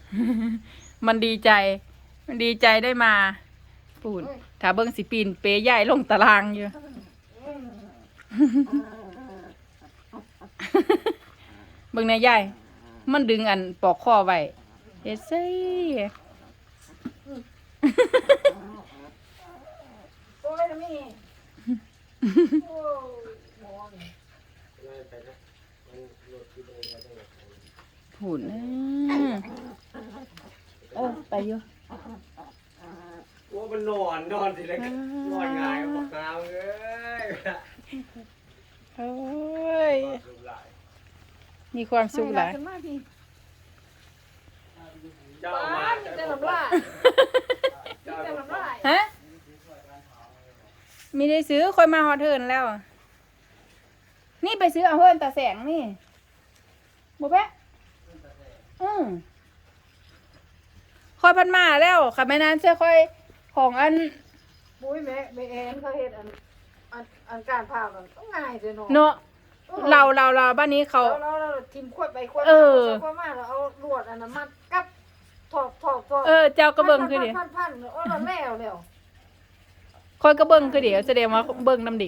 มันดีใจ มันดีใจได้มาปูนถ้าเบิ้งสิปีนเปยใหญ่ลงตารางอยู่ เบิ้งในใหญ่มันดึงอันปอกคอไว้เฮ็ดซี่โอ้ยนะมี่โอ้หมอนผูนเออไปอยู่ว่ามันนอนสิเลยนอนง่ายบอกน้ำเลยโอ้ยมีความสุขหลายขึ้นมาพี่เจ้าป้ามามีแต่ลำลายมีแต่ลำลายฮะมีได้ซื้อคอยมาฮอดเทิร์นแล้ว นี่ไปซื้อเอาเฮิร์นตาแสงนี่บ่แปะคอยพันมาแล้วค่ะแม่นานเสื้อคอยของอันปุ้ยแม่เอ็นเขาเฮ็ดอันการพามันต้องง่ายเลยเนาะเนาะเราบ้านนี้เขาเราทิมขวดไปขวดเออขวดมาแล้วเอาลวดอันนั้นมัดกับถอกเจ้ากระเบิงคือเดียวพันโอ้เราแล้วคอยกระเบิงคือเดียวแสดงว่าเบิงน้ำเดียว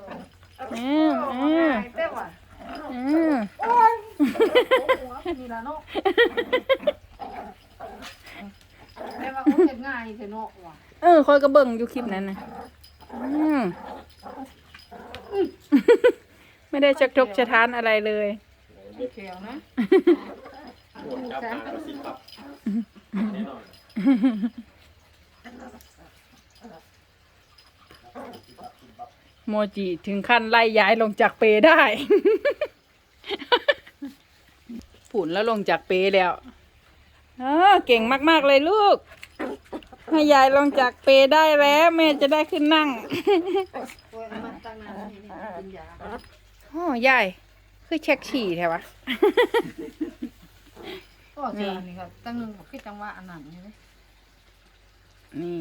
เต้ว่ะอืมโอ้ยหัวนี่ล่ะเนาะแต่ว่าเขาเฮ็ดง่ายเถอะเนาะว่ะคอยกระเบิงอยู่คลิปนั้นนะไม่ได้ชักทกชะทานอะไรเลยเขียวนะจับมาก็สิครับแน่นอนโมจิถึงขั้นไล่ย้ายลงจากเปได้ ผุนแล้วลงจากเปแล้วเก่งมากๆเลยลูก ให้ยายลงจากเปได้แล้วแม่จะได้ขึ้นนั่งโอ้ยมันตั้งนานนี่กินยาโอ้ยายคือเช็คฉี่แท้วะก็เจออันนี้ครับตั้งนึงบอกคิดจังว่าอันนั้นใช่ไหมนี่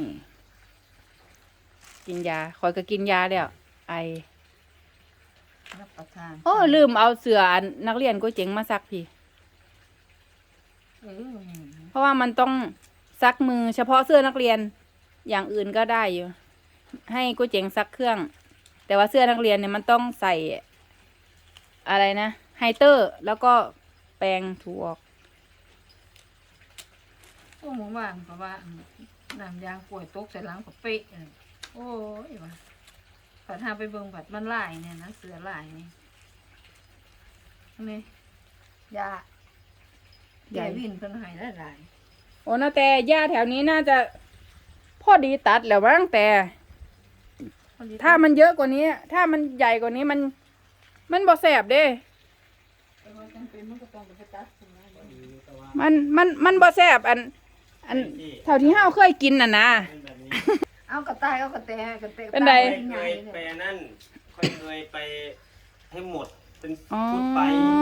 กินยาคอยก็กินยาแล้วไอรับประทานโอ้ลืมเอาเสื้ออันนักเรียนกูเจ๋งมาซักพี่ เพราะว่ามันต้องซักมือเฉพาะเสื้อนักเรียนอย่างอื่นก็ได้อยู่ ให้กูเจ๋งซักเครื่อง แต่ว่าเสื้อนักเรียนเนี่ยมันต้องใส่อะไรนะไฮเตอร์แล้วก็แปรงถูออกโอ้หมู่บ้านเพราะว่าน้ำยางป่วยตกใส่หลังกับเป๊ะโอ้ยว่ะผัดหาไปเบิ่งผัดมันลายเนี่ยนะเสือลายนี่นี่ยาใหญ่วินเพิ่นให้ได้หลายโอ้นะแต่หญ้าแถวนี้น่าจะพอดีตัดแล้วบ้างแต่ถ้ามันเยอะกว่านี้ ถ้ามันใหญ่กว่านี้มันบ่แสบเด้แต่ว่าจำเป็นมันก็ต้องไปตัดสินะมันบ่แสบอันเท่าที่เฮาเคยกินน่ะนะเอากระต่ายเอากระแตกระแตเป็นไรเคยไปนั่นเคยไปให้หมดเป็นชุดไป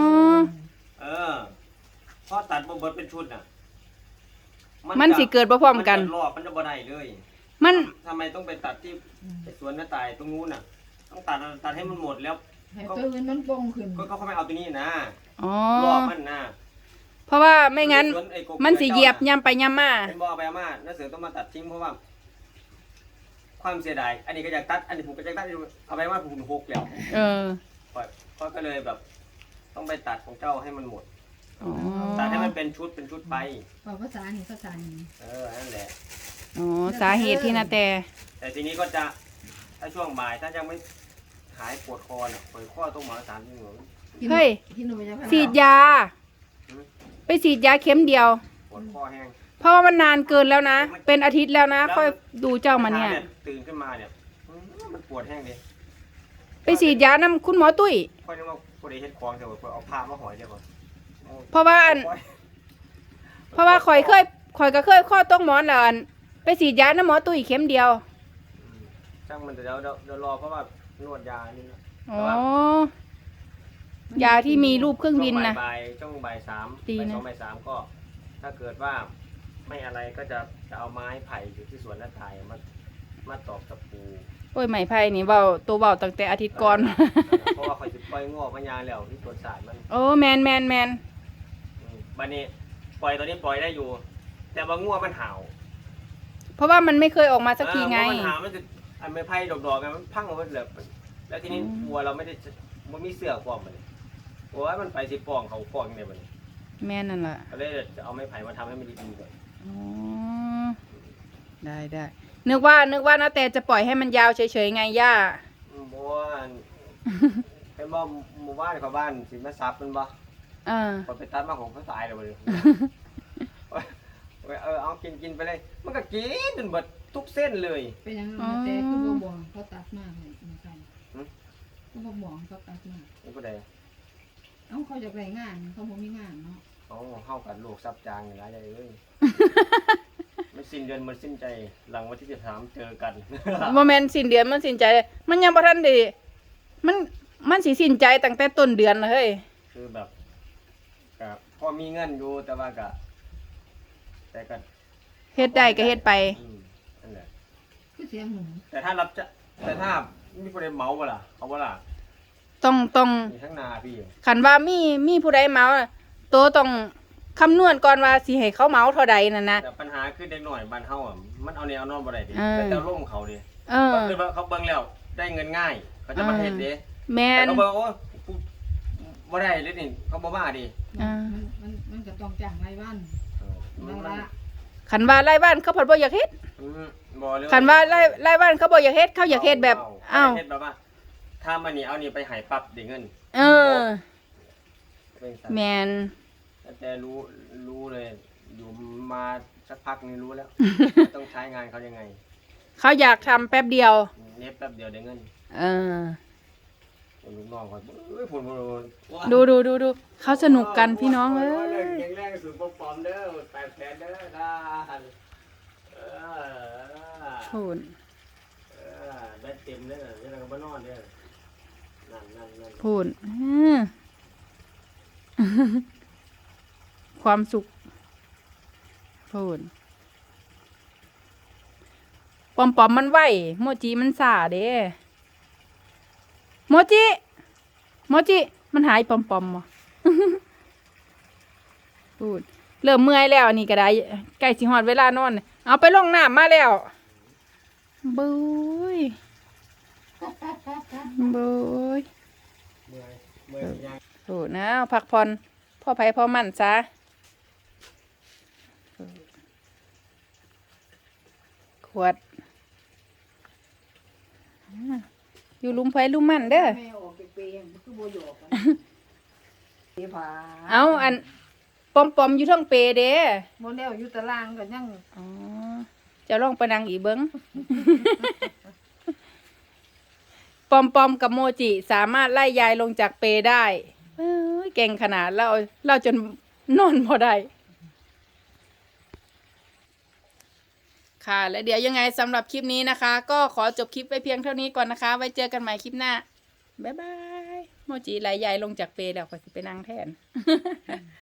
พอตัดบ่เบิดเป็นชุดน่ะมันสิเกิดบ่พร้อมกันรอบมันจะบ่ได้เลยมันทำไมต้องไปตัดที่สวนน้าตายตรงนู้นน่ะ ต้องตัดให้มันหมดแล้วให้ตัวอื่นมันป่งขึ้นก็เขาไม่เอาตัวนี้นะอ๋อรอบมันนะเพราะว่าไม่งั้นสวไอ้กบมันสิเหยียบย่ำไปย่ำมาเป็นบ่อไปอามาน้าเสือต้องมาตัดทิ้งเพราะว่า ความเสียดายอันนี้ก็อยากตัด อันนี้ผมก็อยากตัดเอาไปว่าผมหกแล้วเออก็เลยแบบ ต้องไปตัดของเจ้าให้มันหมดอ๋อตัดให้มันเป็นชุดไปบอกภาษานี่ภาษานี่นั่นแหละอ๋อสาเหตุที่นาแต่แต่ทีนี้ก็จะถ้าช่วงบ่ายถ้ายังไม่หายปวดคอน่ะปวดข้อต้องหมอ3 ชั่วโมงเฮ้ยที่หนูไปจะฉีดยา ไปฉีดยาเข็มเดียวปวดคอแห้งเพราะว่ามันนานเกินแล้วนะ เป็นอาทิตย์แล้วนะ ค่อยดูเจ้ามาเนี่ยตื่นขึ้นมาเนี่ยมันปวดแห้งเลยไปฉีดยาน้ำคุณหมอตุ้ยค่อยนึกว่าพอดีเฮ็ดคลองเดี๋ยวเอาผ้ามาห่อยเดี๋ยวก่อนเพราะว่าข่อยก็เคยข้อต้องหมอนแล้วอันไปฉีดยาน้ำหมอตุ้ยเข็มเดียวช่างมันเดี๋ยวรอเพราะว่านวดยานี่นะอ๋อ ยาที่มีรูปเครื่องบินนะช่วงบ่ายสามดีนะบ่ายสามก็ ถ้าเกิดว่าไม่อะไรก็จะเอาไม้ไผ่อยู่ที่สวนน้าตายมาตอกตะปูโอ้ยไหมไผ่นี่เบาตัวเบาตั้งแต่อาทิตย์ก่อนเพราะว่าคอยจะปล่อยงอกพญาแล้วที่สวนสายมันโอ้แมนบัดนี้ปล่อยตอนนี้ปล่อยได้อยู่ แต่ว่างัวมันห่าวเพราะว่ามันไม่เคยออกมาสักทีไงงัวมันห่าวมันจะอันไม่ไผ่ดอกๆไงมันพังออกมาเลยแล้วทีนี้วัวเราไม่ได้มันมีเสือกปลอมมันวัวมันไปสิปองเขาปองเนี่ยมันแม่นั่นแหละก็เลยจะเอาไม้ไผ่มาทำให้มันดีๆก่อนอ๋อได้นึกว่านะแต่จะปล่อยให้มันยาวเฉยๆไงย่าบัวเป็นบ่หมู่บ้านเขาบ้านสิมาซับมันบ่ พอไปตัดมาของเขาตายเลย เอากินไปเลย มันก็กินจนหมดทุกเส้นเลยเป็นยังไงแต่คือบ่บ่เขาตัดมากเลยมันกันหืมก็บ่บ่เขาตัดมากนี่ก็ได้เอ้าเขาอยากได้งานเขาบ่มีงานเนาะเอาเข้ากันลูกซับจางอย่างไรเลยมันสิ้นเดือนมันสิ้นใจ หลังวันที่13เจอกันโมเมนต์สิ้นเดือนมันสิ้นใจเลยมันยังบ่ทันไดีมันสิสิ้นใจตั้งแต่ต้นเดือนเลยเฮ้ยคือแบบก็พอมีเงินอยู่แต่ว่าก็แต่ก็เฮ็ดได้ก็เฮ็ดไปนั่นแหละคือเสียงหนูแต่ถ้ามีคนใดเหมาบ่ล่ะเอาบ่ล่ะต้องมีทั้งนาพี่คันว่ามีผู้ใดเมาน่ะโตต้องคำนวณก่อนว่าสิให้เขาเมาเท่าใดนั่นนะแต่ปัญหาคือเด็กหน่อยบ้านเฮาอ่ะมันเอาแนวนอนบ่ได้ดิเออแต่ร่มเขาดิเออก็คือว่าเขาเบิ่งแล้วได้เงินง่าย เขาจะมาเฮ็ดเด้แม่แต่นเขาบอกว่ากูบ่ได้เลยนี่เขาบ่มาดิมันก็ต้องจ้างรายวันมันนั่นละคันว่าไร่บ้านเขาผัดบ่อยากเฮ็ดบ่เลยคันว่าไร่บ้านเขาบ่อยากเฮ็ดเขาอยากเฮ็ดแบบอ้าวเฮ็ดแบบว่าถ้ามันนี่เอานี่ไปใหายปั๊บได้เงินเออเป็นสัตว์แม่นแต่รู้เลย อยู่มาสักพักนึงรู้แล้ว ต้องใช้งานเขายังไงเขาอยากทำแป๊บเดียวเน็บแป๊บเดียวได้เงินเออลูกน้องเขาเอ้ยพุ่นดูเขาสนุกกันพี่น้องเอ้ยแข็งแรงสูงปอมเด้อ8แสนเด้อได้โหนแบตเต็มเด้อยังไงก็บ่นอนเด้อนั่นโหนความสุขโหนปอมมันไหวโมจิมันสาเด้โมจิมันหายปอมบ่พูดเริ่มเมื่อยแล้วนี่ก็ได้ใกล้สิฮอดเวลานอนเอาไปลงน้ำมาแล้วบุ้ยเมื่อยยังโอ้นะพักผ่อนพ่อไผพ่อมั่นซะขวดอยู่ลุมไผลุมมั่นเด้อแม่ออกเปย์ๆคือบ่หยอกกันเสียผาเอาอันปอมอยู่เทั้งเปเด้บ่แล้วอยู่ตารางก็ยังอ๋อจะลองไปนั่งอีกเบิ้ง ปอมกับโมจิสามารถไล่ยายลงจากเปได้เอ้ยเก่งขนาดเราจนนอนพอได้ ค่ะ และเดี๋ยวยังไงสำหรับคลิปนี้นะคะ ก็ขอจบคลิปไว้เพียงเท่านี้ก่อนนะคะ ไว้เจอกันใหม่คลิปหน้า บ๊ายบาย โมจิไล่ยายลงจากเปแล้วก็สิไปนั่งแทน